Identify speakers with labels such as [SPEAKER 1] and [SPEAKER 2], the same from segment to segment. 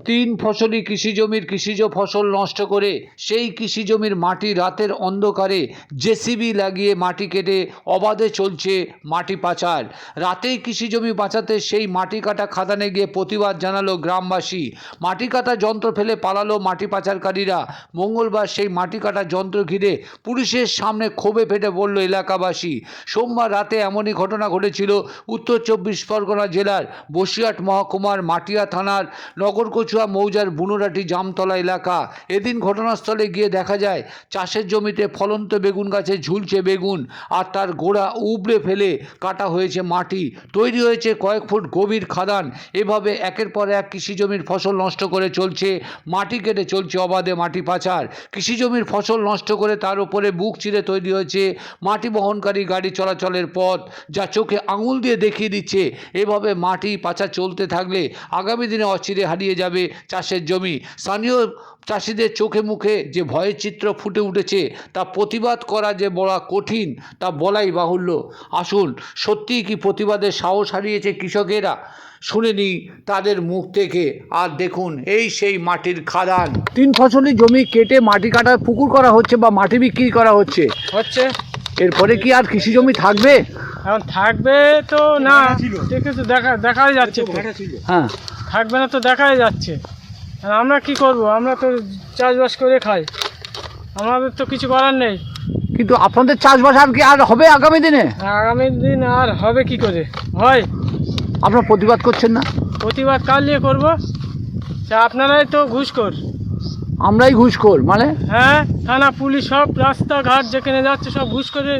[SPEAKER 1] তিন ফসলি কৃষি জমির কৃষিজ ফসল নষ্ট করে সেই কৃষি জমির মাটি রাতের অন্ধকারে জেসিবি লাগিয়ে মাটি কেটে অবাধে চলছে মাটি পাচার। রাতেই কৃষি জমি বাঁচাতে সেই মাটি কাটা খাদানে গিয়ে প্রতিবাদ জানালো গ্রামবাসী। মাটি কাটা যন্ত্র ফেলে পালালো মাটি পাচারকারীরা। মঙ্গলবার সেই মাটি কাটা যন্ত্র ঘিরে পুলিশের সামনে ক্ষোভে ফেটে পড়ল এলাকাবাসী। সোমবার রাতে এমনই ঘটনা ঘটেছিল উত্তর 24 পরগনা জেলার বসিরহাট মহকুমার মাটিয়া থানার নগরকচুয়া মৌজার বুনোরাটি জামতলা এলাকা। এদিন ঘটনাস্থলে গিয়ে দেখা যায় চাষের জমিতে ফলন্ত বেগুন গাছে ঝুলছে বেগুন, আর তার গোড়া উবড়ে ফেলে কাটা হয়েছে মাটি। তৈরি হয়েছে কয়েক ফুট গভীর খাদান। এভাবে একের পর এক কৃষি জমির ফসল নষ্ট করে চলছে মাটি কেটে চলছে অবাধে মাটি পাচার। কৃষি জমির ফসল নষ্ট করে তার উপরে বুক চিরে তৈরি হয়েছে মাটি বহনকারী গাড়ি চলাচলের পথ, যা চোখে আঙুল দিয়ে দেখিয়ে দিচ্ছে এভাবে মাটি পাচার চলতে থাকলে আগামী দিনে অচিরে হারিয়ে যাবে চাষের জমি। স্থানীয় চাষিদের চোখে মুখে যে ভয়ের চিত্র ফুটে উঠেছে তা প্রতিবাদ করা যে বড় কঠিন তা বলাই বাহুল্য। আসুন, সত্যিই কি প্রতিবাদের সাহস হারিয়েছে কৃষকেরা? শুনে নিই তাদের মুখ থেকে। আর দেখুন, এই সেই মাটির খাদান। তিন ফসলি জমি কেটে মাটি কাটার পুকুর করা হচ্ছে বা মাটি বিক্রি করা হচ্ছে। এরপরে কি আর কৃষি জমি থাকবে?
[SPEAKER 2] এখন থাকবে তো না, দেখেছো, দেখাই যাচ্ছে তো।
[SPEAKER 1] হ্যাঁ,
[SPEAKER 2] থাকবে না তো দেখাই যাচ্ছে। আর আমরা কি করব? আমরা তো চাষবাস করে খাই, আমাদের তো কিছু করার নেই।
[SPEAKER 1] কিন্তু আপনাদের চাষবাস আর কি আর হবে আগামী দিনে?
[SPEAKER 2] আগামী দিন আর হবে কি করে হয়?
[SPEAKER 1] আপনারা প্রতিবাদ করছেন না?
[SPEAKER 2] প্রতিবাদ কাল নিয়ে করবো। আপনারাই তো ঘুষখোর।
[SPEAKER 1] আমরাই ঘুষখোর মানে?
[SPEAKER 2] হ্যাঁ, থানা পুলিশ সব রাস্তাঘাট যেখানে যাচ্ছে সব ঘুষ করে।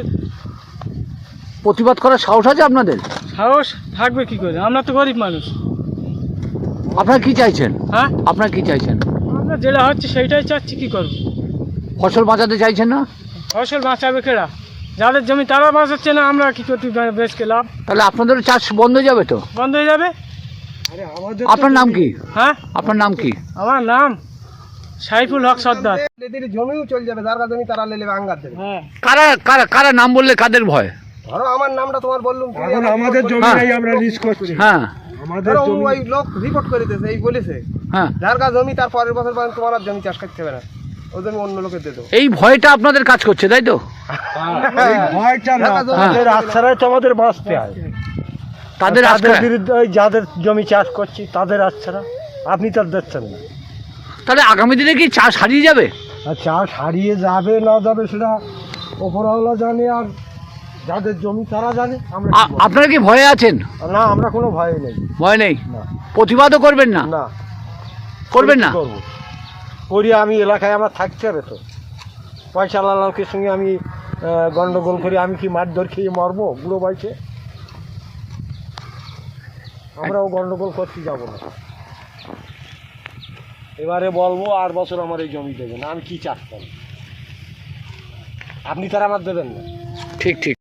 [SPEAKER 1] প্রতিবাদ করার সাহস আছে আপনাদের?
[SPEAKER 2] সাহস থাকবে কি করে? আমরা তো গরিব মানুষ।
[SPEAKER 1] আপনারা কি চাইছেন?
[SPEAKER 2] হ্যাঁ,
[SPEAKER 1] আপনারা কি চাইছেন?
[SPEAKER 2] আমরা যেটা হচ্ছে সেইটাই চাচ্ছি। কি করব?
[SPEAKER 1] ফসল বাঁচাতে চাইছেন না?
[SPEAKER 2] ফসল বাঁচাবে কেরা? যাদের জমি তারা বাঁচাচ্ছে না, আমরা কি করতে বেচকে লাভ?
[SPEAKER 1] তাহলে আপনাদেরও চাষ বন্ধ হয়ে যাবে তো?
[SPEAKER 2] বন্ধ হয়ে যাবে।
[SPEAKER 1] আপনার নাম কি?
[SPEAKER 2] হ্যাঁ,
[SPEAKER 1] আপনার নাম কি?
[SPEAKER 2] আমার নাম সাইফুল হক সর্দার।
[SPEAKER 3] জমিও চলে যাবে, যার জমি তারা লে নেবে, আঙ্গার দেবে।
[SPEAKER 2] হ্যাঁ,
[SPEAKER 1] কারা কারা কারা নাম বললে কাদের ভয়?
[SPEAKER 3] ধরো আমার নামটা তোমার বললুম,
[SPEAKER 4] এখন আমাদের জমি
[SPEAKER 1] হ্যাঁ।
[SPEAKER 4] নাই, আমরা লিজ করছি।
[SPEAKER 1] হ্যাঁ
[SPEAKER 4] আমাদের
[SPEAKER 3] ধরো
[SPEAKER 4] জমি
[SPEAKER 3] ওই লোক রিপোর্ট করে দিয়েছে, এই বলেছে
[SPEAKER 1] হ্যাঁ,
[SPEAKER 3] যার কাছে জমি তার পরের বছর পর্যন্ত তোমার আর জমি চাষ করতে হবে না, ওই জমি অন্য লোকে দিয়ে দেবো।
[SPEAKER 1] এই ভয়টা আপনাদের কাজ করছে, তাই তো?
[SPEAKER 4] এই ভয়টা না, তাদের আশ্রয় তো আমাদের বাঁচতে হয়।
[SPEAKER 1] তাদের
[SPEAKER 4] তাদের
[SPEAKER 1] আশ্রয়।
[SPEAKER 4] বিরুদ্ধে ওই যাদের জমি চাষ করছি তাদের আশ্রয় আপনি তো আর দিচ্ছেন না।
[SPEAKER 1] তাহলে আগামী দিনে কি চাষ হারিয়ে যাবে?
[SPEAKER 4] আর চাষ হারিয়ে যাবে না যাবে সেটা ওপরওয়ালা জানে, আর যাদের জমি তারা জানে। আমরা কি বলবো?
[SPEAKER 1] আপনারা কি ভয়ে আছেন?
[SPEAKER 4] না, আমরা কোনো ভয় নেই।
[SPEAKER 1] ভয় নেই?
[SPEAKER 4] না
[SPEAKER 1] প্রতিবাদও করবেন না?
[SPEAKER 4] না
[SPEAKER 1] করবেন না?
[SPEAKER 4] কি করবো? করি আমি, এলাকায় আমার থাকতে হবে তো। পয়সা লালকের সঙ্গে আমি গন্ডগোল করি, আমি কি মারধর খেয়ে মরবো বুড়ো বয়সে? আমরাও গন্ডগোল করতে যাব না। এবারে বলবো আর বছর আমার এই জমি দেবেন, আমি কি চাষ করব? আপনি তারা আমার দেবেন না।
[SPEAKER 1] ঠিক ঠিক।